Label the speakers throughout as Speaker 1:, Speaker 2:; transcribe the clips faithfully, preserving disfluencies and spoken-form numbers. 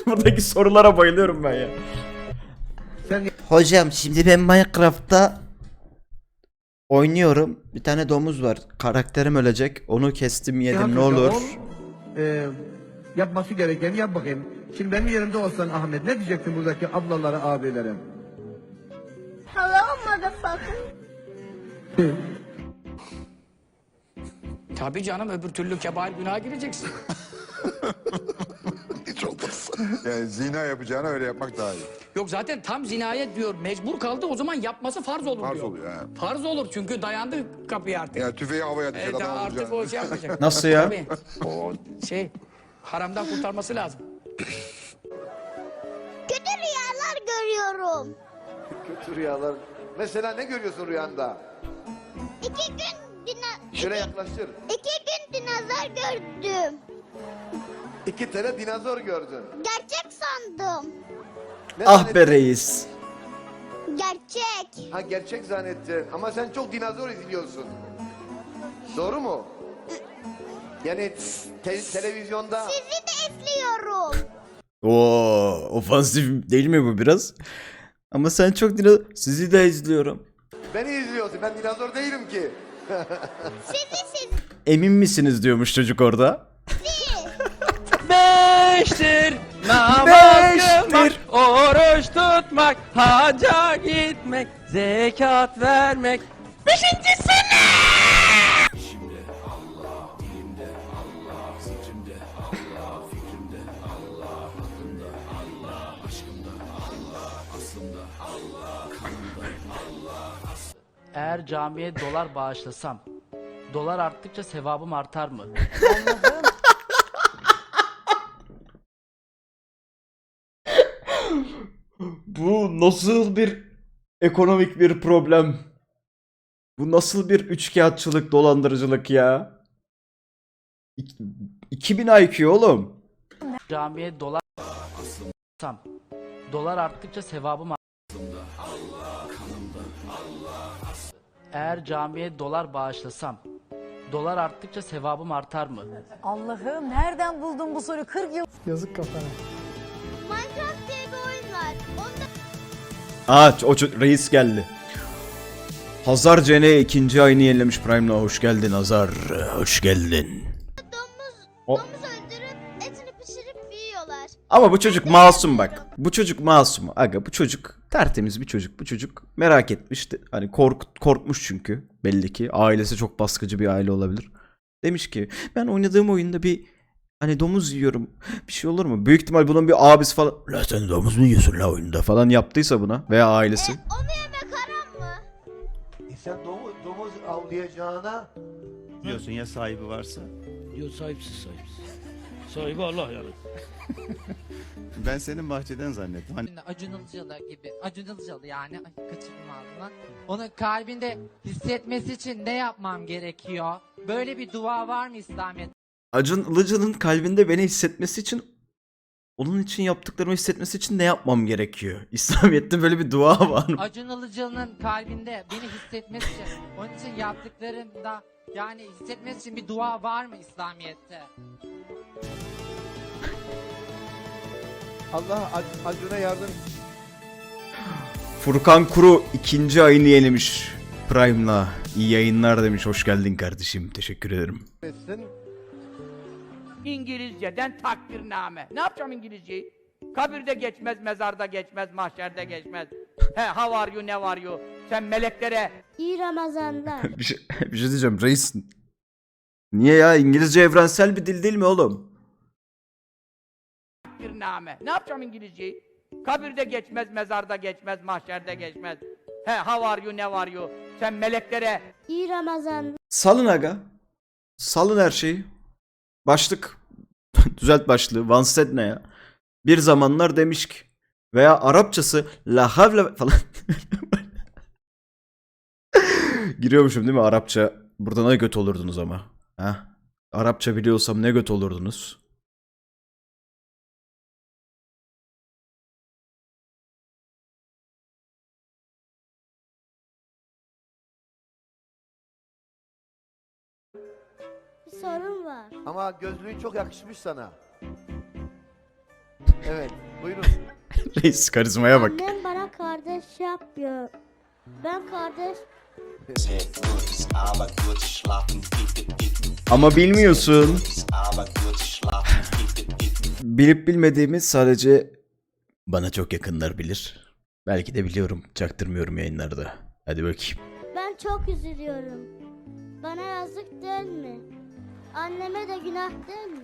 Speaker 1: Buradaki sorulara bayılıyorum ben ya. Hocam şimdi ben Minecraft'ta oynuyorum. Bir tane domuz var. Karakterim ölecek. Onu kestim yedim ne olur.
Speaker 2: Ee, yapması gerekeni yap bakayım. Şimdi benim yerimde olsan Ahmet ne diyeceksin buradaki ablalara, abilere?
Speaker 3: Hello, motherfucker.
Speaker 4: Tabii canım, öbür türlü kebair günaha gireceksin.
Speaker 5: Hiç olmaz. Yani zina yapacağına öyle yapmak daha iyi.
Speaker 4: Yok zaten tam zinayet diyor, mecbur kaldı, o zaman yapması farz olur
Speaker 5: Farz
Speaker 4: diyor.
Speaker 5: oluyor, he.
Speaker 4: Farz olur çünkü dayandı kapıya artık.
Speaker 5: Yani tüfeği havaya düşer
Speaker 4: Evet,
Speaker 5: adam
Speaker 4: artık
Speaker 5: vuracak.
Speaker 4: o şey yapmayacak.
Speaker 1: Nasıl ya?
Speaker 4: Tabii, o şey, haramdan kurtarması lazım.
Speaker 3: Kötü rüyalar görüyorum.
Speaker 2: Kötü rüyalar. Mesela ne görüyorsun rüyanda?
Speaker 3: İki gün dina...
Speaker 2: Şöyle yaklaştır.
Speaker 3: İki gün dinozor gördüm.
Speaker 2: İki tane dinozor gördün.
Speaker 3: Gerçek sandım.
Speaker 2: Ne
Speaker 1: Ah
Speaker 2: zannettin?
Speaker 1: be reis.
Speaker 3: Gerçek.
Speaker 2: Ha gerçek zannettin ama sen çok dinozor izliyorsun. Doğru mu? Yani te- televizyonda
Speaker 3: Sizi de izliyorum.
Speaker 1: Oo, ofansif değil mi bu biraz? Ama sen çok dino... Sizi de izliyorum.
Speaker 2: beni izliyorsun. Ben dinozor değilim ki.
Speaker 3: Sizi sizi.
Speaker 1: Emin misiniz diyormuş çocuk orada.
Speaker 6: Beştir namaz
Speaker 1: Beştir.
Speaker 6: kılmak, oruç tutmak, hacca gitmek, zekat vermek. Beşincisi ne? Eğer camiye dolar bağışlasam, dolar arttıkça sevabım artar mı?
Speaker 1: Bu nasıl bir ekonomik bir problem? Bu nasıl bir üçkağıtçılık, dolandırıcılık ya? İk- iki bin I Q oğlum.
Speaker 6: Camiye dolar bağışlasam, dolar arttıkça sevabım artar. Eğer camiye dolar bağışlasam, dolar arttıkça sevabım artar mı?
Speaker 7: Allah'ım nereden buldun bu soruyu? kırk yıl.
Speaker 3: Minecraft diye bir oyun var. Onda
Speaker 1: Aa o ço- reis geldi. Hazar C N ikinci ayını yenilemiş Prime'la hoş geldin Hazar. Hoş geldin.
Speaker 3: domuz,
Speaker 1: O-
Speaker 3: domuz öldürüp etini pişirip yiyorlar.
Speaker 1: Ama bu çocuk masum bak. Bu çocuk masum. Aga bu çocuk tertemiz bir çocuk. Bu çocuk merak etmişti. Hani kork korkmuş çünkü belli ki. Ailesi çok baskıcı bir aile olabilir. Demiş ki ben oynadığım oyunda bir hani domuz yiyorum. Bir şey olur mu? Büyük ihtimal bunun bir abisi falan. La sen domuz mu yiyorsun la oyunda falan yaptıysa buna veya ailesi.
Speaker 3: Onu yemek haram mı?
Speaker 2: E sen domuz, domuz avlayacağına
Speaker 8: Diyorsun ya sahibi varsa.
Speaker 6: Yok, sahipsiz sahipsiz. Sahibi Allah yani.
Speaker 8: Ben senin bahçeden zannettim. Hani
Speaker 9: Acun Ilıcalı gibi. Acun Ilıcalı yani. Ay, kaçırdım ağzına. Onu kalbinde hissetmesi için ne yapmam gerekiyor? Böyle bir dua var mı İslamiyet'te?
Speaker 1: Acun Ilıcalı'nın kalbinde beni hissetmesi için onun için yaptıklarımı hissetmesi için ne yapmam gerekiyor? İslamiyet'te böyle bir dua var mı?
Speaker 9: Acun Ilıcalı'nın kalbinde beni hissetmesi için, onun için yaptıklarımda yani hissetmesi için bir dua var mı İslamiyet'te?
Speaker 2: Allah Ac- Acun'a yardım
Speaker 1: Furkan Kuru ikinci ayını yenilemiş Prime'la. İyi yayınlar demiş. Hoş geldin kardeşim. Teşekkür ederim.
Speaker 2: etsin.
Speaker 6: İngilizceden takbirname. Ne yapacağım İngilizceyi? Kabirde geçmez, mezarda geçmez, mahşerde geçmez. He, how are you, ne var you? Sen meleklere
Speaker 3: İyi Ramazanlar.
Speaker 1: bir, şey, bir şey diyeceğim reis. Niye ya? İngilizce evrensel bir dil değil mi oğlum?
Speaker 6: takbirname. Ne yapacağım İngilizceyi? Kabirde geçmez, mezarda geçmez, mahşerde geçmez. He, how are you, ne var you? Sen meleklere
Speaker 3: İyi Ramazanlar.
Speaker 1: Salın aga. Salın her şeyi. Başlık. Düzelt başlığı. One said ne ya? Bir zamanlar demiş ki. Veya Arapçası la havle falan. Giriyormuşum değil mi Arapça? Burada ne göt olurdunuz ama. Ha? Arapça biliyorsam ne göt olurdunuz?
Speaker 3: Bir sorun var.
Speaker 2: Ama gözlüğün çok yakışmış sana. Evet, buyurun.
Speaker 1: Reis karizmaya bak.
Speaker 3: Annem bana kardeş yapmıyor. Ben kardeş
Speaker 1: Ama bilmiyorsun. Bilip bilmediğimiz sadece bana çok yakınlar bilir. Belki de biliyorum. Çaktırmıyorum yayınlarda. Hadi bakayım.
Speaker 3: ben çok üzülüyorum. Bana yazık değil mi? Anneme de günah değil mi?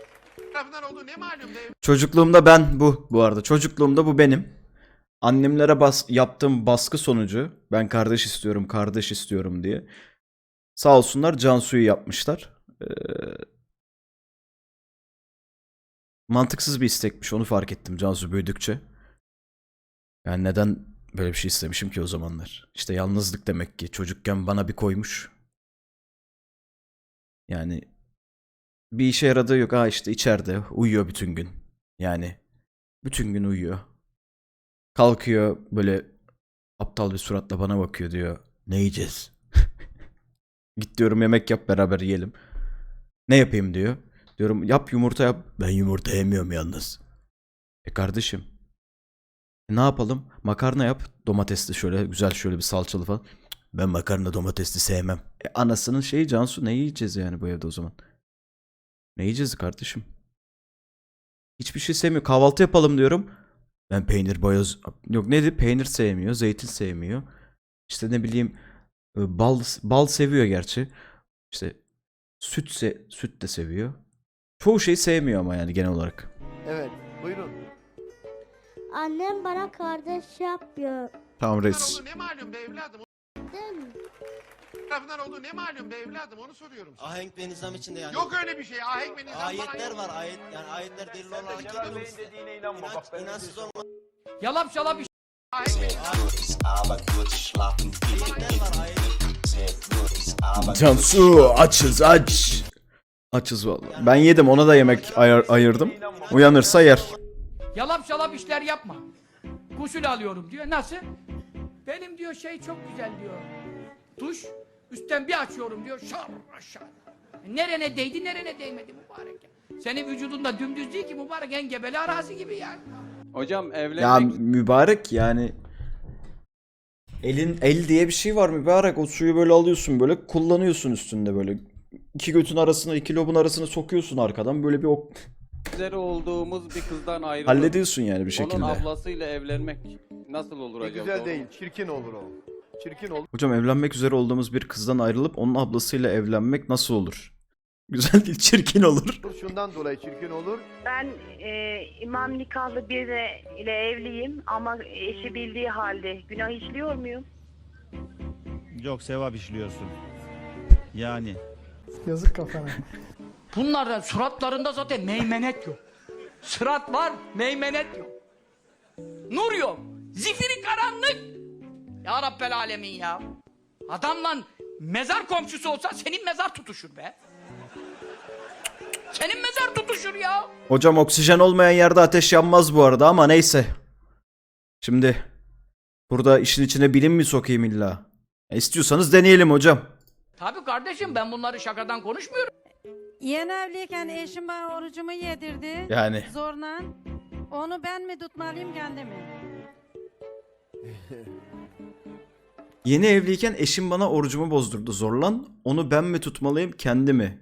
Speaker 1: Çocukluğumda ben bu bu arada. Çocukluğumda bu benim. Annemlere bas yaptığım baskı sonucu ben kardeş istiyorum, kardeş istiyorum diye. Sağ olsunlar Cansu'yu yapmışlar. Ee, mantıksız bir istekmiş, onu fark ettim Cansu büyüdükçe. Yani neden böyle bir şey istemişim ki o zamanlar? İşte yalnızlık demek ki. Çocukken bana bir koymuş. Yani bir işe yaradığı yok. Ha işte içeride uyuyor bütün gün. Yani bütün gün uyuyor. Kalkıyor böyle aptal bir suratla bana bakıyor, diyor. Ne yiyeceğiz? Git diyorum, yemek yap beraber yiyelim. Ne yapayım diyor. Diyorum yap yumurta yap. Ben yumurta yemiyorum yalnız. E kardeşim. E ne yapalım? Makarna yap. Domatesli şöyle güzel, şöyle bir salçalı falan. Cık, ben makarna domatesli sevmem. E anasının şeyi Cansu, ne yiyeceğiz yani bu evde o zaman? Ne yiyeceğiz kardeşim? Hiçbir şey sevmiyor. Kahvaltı yapalım diyorum. Ben peynir boyoz... Yok neydi? Peynir sevmiyor. Zeytin sevmiyor. İşte ne bileyim... Bal, bal seviyor gerçi. İşte süt, se süt de seviyor. Çoğu şeyi sevmiyor ama yani genel olarak.
Speaker 2: Evet, buyurun.
Speaker 3: Annem bana kardeş yapmıyor.
Speaker 1: Tamam reis.
Speaker 2: Ne malum be evladım?
Speaker 3: Değil mi?
Speaker 2: Tarafından olduğu ne malum be evladım, onu soruyorum sana.
Speaker 10: Ahenk ve nizam içinde yani.
Speaker 2: Yok öyle bir şey, ahenk ve nizam falan
Speaker 10: Ayetler
Speaker 2: yok.
Speaker 10: var, ayet yani ayetler delil olarak geliyor mu size? İnanç, inançsız olma.
Speaker 6: Yalap şalap iş.
Speaker 2: Ahenk ve nizam.
Speaker 10: Ayetler var, ayet.
Speaker 1: Cansu açız aç. Açız vallahi. Ben yedim, ona da yemek ayır, ayırdım. Uyanırsa yer.
Speaker 6: Yalap şalap işler yapma. Gusül alıyorum diyor. Nasıl? Benim diyor şey çok güzel diyor. Duş. Üstten bir açıyorum diyor. Şar aşağı. Nerene değdi, nerene değmedi mübarek ya. Senin vücudunda dümdüz değil ki mübarek, engebeli arazi gibi yani.
Speaker 11: Hocam evlenmek...
Speaker 1: Ya mübarek yani. Elin el diye bir şey var mübarek. O suyu böyle alıyorsun, böyle kullanıyorsun üstünde böyle. İki götün arasına, iki lobun arasına sokuyorsun arkadan. Böyle bir ok
Speaker 11: üzere olduğumuz bir kızdan ayrılıp
Speaker 1: hallediyorsun yani bir şekilde.
Speaker 11: onun ablasıyla evlenmek nasıl olur acaba?
Speaker 2: Güzel
Speaker 11: Doğru
Speaker 2: değil,
Speaker 11: mu?
Speaker 2: çirkin olur o. Çirkin olur.
Speaker 1: Hocam evlenmek üzere olduğumuz bir kızdan ayrılıp onun ablasıyla evlenmek nasıl olur? Güzel değil, çirkin olur.
Speaker 2: Şundan dolayı çirkin olur.
Speaker 7: Ben e, imam nikahlı biri ile evliyim ama eşi bildiği halde günah işliyor muyum?
Speaker 8: Yok, sevap işliyorsun. Yani.
Speaker 6: Bunların suratlarında zaten meymenet yok. Sırat var, meymenet yok. Nur yok. Zifiri karanlık. Ya Rabbel Alemin ya. Adamla mezar komşusu olsa senin mezar tutuşur be. Senin mezar tutuşur ya.
Speaker 1: Hocam oksijen olmayan yerde ateş yanmaz bu arada ama neyse. Şimdi burada işin içine bilim mi sokayım illa? E, istiyorsanız deneyelim hocam.
Speaker 6: Tabii kardeşim, ben bunları şakadan konuşmuyorum.
Speaker 7: Yeni evliyken eşim bana orucumu yedirdi.
Speaker 1: Yani.
Speaker 7: Zorla. Onu ben mi tutmalıyım kendi mi?
Speaker 1: Yeni evliyken eşim bana orucumu bozdurdu zorlan. Onu ben mi tutmalıyım, kendi mi?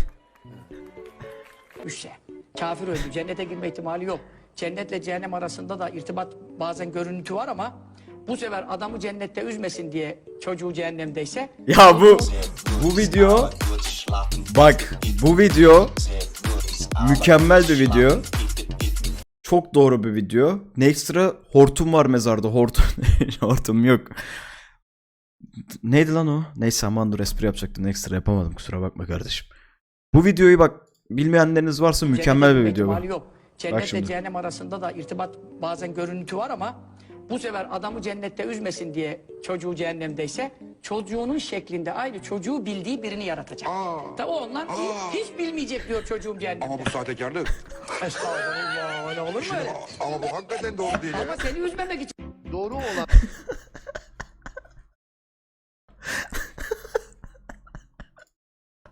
Speaker 6: Üçse. Kafir öldü. Cennete girme ihtimali yok. Cennetle cehennem arasında da irtibat, bazen görüntü var ama bu sefer adamı cennette üzmesin diye çocuğu cehennemdeyse.
Speaker 1: Ya bu bu video, bak bu video mükemmel bir video. Çok doğru bir video. Nextra hortum var mezarda. Hortum hortum yok. Neydi lan o? Neyse aman dur, espri yapacaktım. Nextra yapamadım, kusura bakma kardeşim. Bu videoyu bak, bilmeyenleriniz varsa mükemmel bir video bu.
Speaker 6: Yok. Cennetle cehennem arasında da irtibat, bazen görüntü var ama bu sefer adamı cennette üzmesin diye çocuğu cehennemdeyse çocuğunun şeklinde aynı çocuğu bildiği birini yaratacak. Tabi onlar hiç bilmeyecek diyor çocuğum cehennemde.
Speaker 5: Ama bu sahtekarlık.
Speaker 6: Estağfurullah, öyle olur mu öyle?
Speaker 5: Ama bu hakikaten doğru değil.
Speaker 6: Ama seni üzmemek için.
Speaker 2: Doğru olan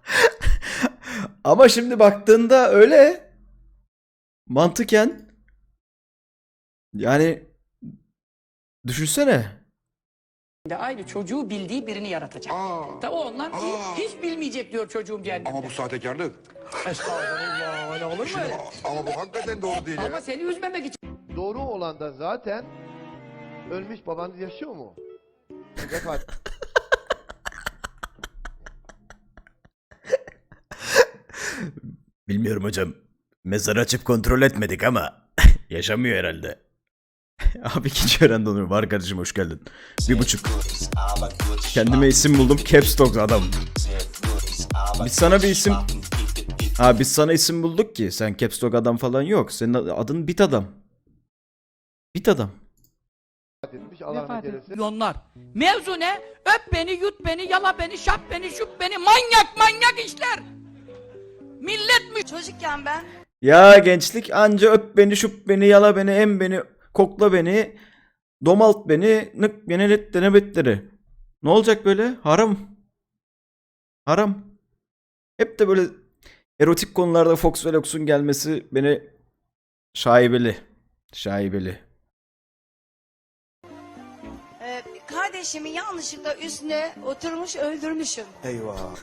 Speaker 1: Ama şimdi baktığında öyle mantıken Yani düşünsene.
Speaker 4: De aynı çocuğu bildiği birini yaratacak. Da o ondan hiç bilmeyecek diyor çocuğum cehennemde.
Speaker 5: Ama bu sahtekarlık.
Speaker 4: Estağfurullah, öyle olur mu öyle?
Speaker 5: Ama bu hakikaten doğru değil
Speaker 4: Ama
Speaker 5: ya.
Speaker 4: seni üzmemek için.
Speaker 2: Doğru olan da zaten ölmüş babanız yaşıyor mu? Vefat.
Speaker 1: Bilmiyorum hocam. Mezarı açıp kontrol etmedik ama yaşamıyor herhalde. Abi ikinci öğrendi onu. Var kardeşim hoş geldin. Bir buçuk. Kendime isim buldum. Caps Lock adam. Biz sana bir isim... Ha biz sana isim bulduk ki. Sen Caps Lock adam falan yok. Senin adın Bit adam. Bit adam.
Speaker 2: etmiş. Allah rahmet eylesin.
Speaker 6: Milyonlar. Mevzu ne? Öp beni, yut beni, yala beni, şap beni, şup beni. Manyak manyak işler. Millet mi?
Speaker 7: Çocukken ben
Speaker 1: Ya gençlik anca öp beni, şup beni, yala beni, em beni, kokla beni, domalt beni, nık beni, lettene betleri. Ne olacak böyle? Haram. Haram. Hep de böyle erotik konularda Fox ve Lux'un gelmesi beni şaibeli. Şaibeli.
Speaker 7: e, kardeşimi yanlışlıkla üstüne oturmuş öldürmüşüm.
Speaker 2: Eyvah.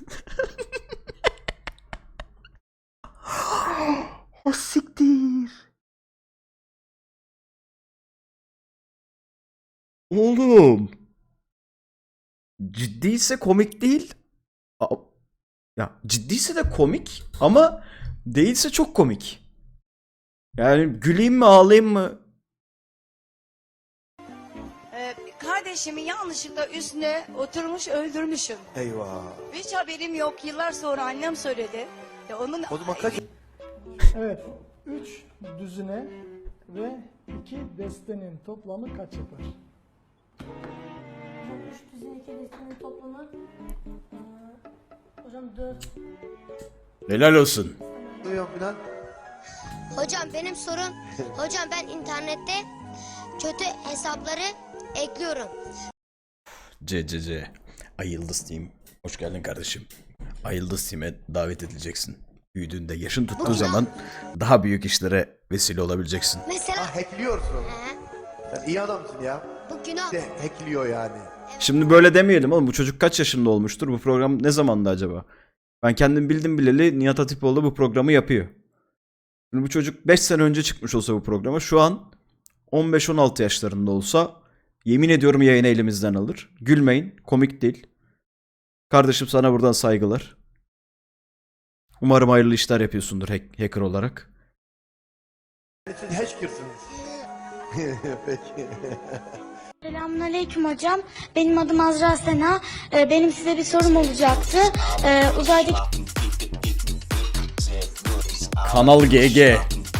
Speaker 1: O siktir. Oğlum. Ciddiyse komik değil. A- Ya ciddiyse de komik ama değilse çok komik. Yani güleyim mi ağlayayım mı?
Speaker 7: E, kardeşimi yanlışlıkla üstüne oturmuş öldürmüşüm.
Speaker 2: Eyvah.
Speaker 7: Hiç haberim yok. Yıllar sonra annem söyledi. Ya onun
Speaker 2: O zaman kaç
Speaker 12: Evet, üç düzine ve iki destenin toplamı kaç yapar?
Speaker 3: Hocam üç düzine iki destenin toplamı eee, hocam dört.
Speaker 1: Helal olsun.
Speaker 2: duyuyorum filan?
Speaker 3: Hocam benim sorun hocam ben internette kötü hesapları ekliyorum.
Speaker 1: C C C. Ay Yıldız Team. Hoş geldin kardeşim. Ay Yıldız Team'e davet edileceksin. Büyüdüğünde yaşın tuttuğu
Speaker 3: Bugün
Speaker 1: zaman daha büyük işlere vesile olabileceksin.
Speaker 3: Mesela
Speaker 2: Ha hackliyorsun. Sen iyi adamsın ya.
Speaker 3: bu günah.
Speaker 2: De hackliyor yani.
Speaker 1: Şimdi böyle demeyelim oğlum. Bu çocuk kaç yaşında olmuştur? Bu program ne zamandı acaba? Ben kendim bildim bileli Nihat Hatipoğlu bu programı yapıyor. Şimdi bu çocuk beş sene önce çıkmış olsa bu programa şu an on beş on altı yaşlarında olsa yemin ediyorum yayını elimizden alır. Gülmeyin. Komik değil. Kardeşim sana buradan saygılar. Umarım hayırlı işler yapıyorsundur hack- hacker olarak.
Speaker 2: Siz hackersınız. Peki.
Speaker 3: Selamünaleyküm hocam. Benim adım Azra Sena. Ee, benim size bir sorum olacaktı. Ee, uzaydaki
Speaker 1: Kanal G G.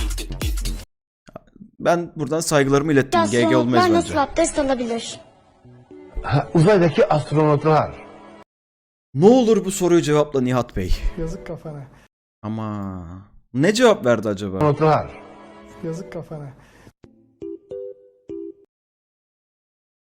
Speaker 1: Ben buradan saygılarımı ilettim. G G olmayız
Speaker 3: astronotlar nasıl
Speaker 1: bence.
Speaker 3: abdest alabilir?
Speaker 2: Uzaydaki astronotlar.
Speaker 1: Ne olur bu soruyu cevapla Nihat Bey.
Speaker 12: Yazık kafana,
Speaker 1: Ama ne cevap verdi acaba?
Speaker 2: Astronotlar.
Speaker 12: yazık kafana.